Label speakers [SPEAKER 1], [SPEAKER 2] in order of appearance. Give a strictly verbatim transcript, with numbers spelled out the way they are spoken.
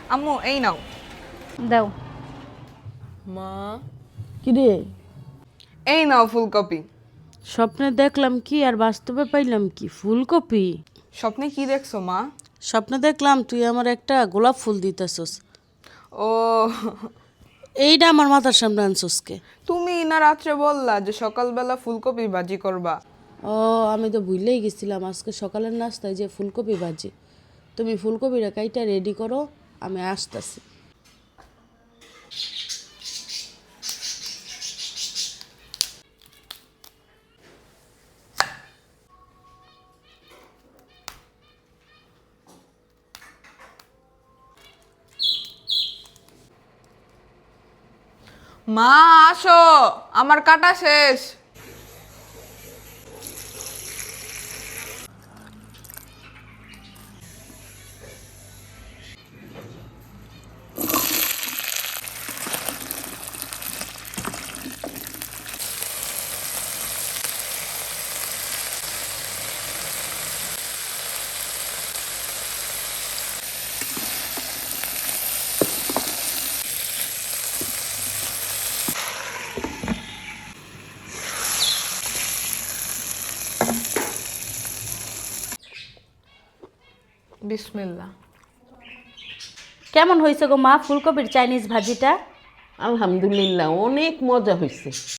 [SPEAKER 1] আম্মু এই নাও।
[SPEAKER 2] দাও।
[SPEAKER 3] মা,
[SPEAKER 4] কি রে?
[SPEAKER 1] এই নাও ফুলকপি।
[SPEAKER 4] স্বপ্নে দেখলাম কি আর বাস্তবে পাইলাম কি? ফুলকপি?
[SPEAKER 1] স্বপ্নে কি দেখছো মা?
[SPEAKER 4] স্বপ্নে দেখলাম তুই আমার একটা গোলাপ ফুল দিতেছস।
[SPEAKER 1] ও
[SPEAKER 4] এইটা আমার মাথার সামনে আনছস কে?
[SPEAKER 1] তুমি না রাত্রে বললা যে সকালবেলা ফুলকপি ভাজি করবা।
[SPEAKER 4] ও আমি তো ভুলেই গেছিলাম আজকে সকালের নাস্তায় যে ফুলকপি ভাজি। তুমি ফুলকপিটা কাইটা রেডি করো, আমি আসতেছি।
[SPEAKER 1] মা আসো, আমার কাটা শেষ। বিসমিল্লাহ।
[SPEAKER 2] কেমন হয়েছে গো মা ফুলকপির চাইনিজ ভাজিটা?
[SPEAKER 3] আলহামদুলিল্লাহ অনেক মজা হয়েছে।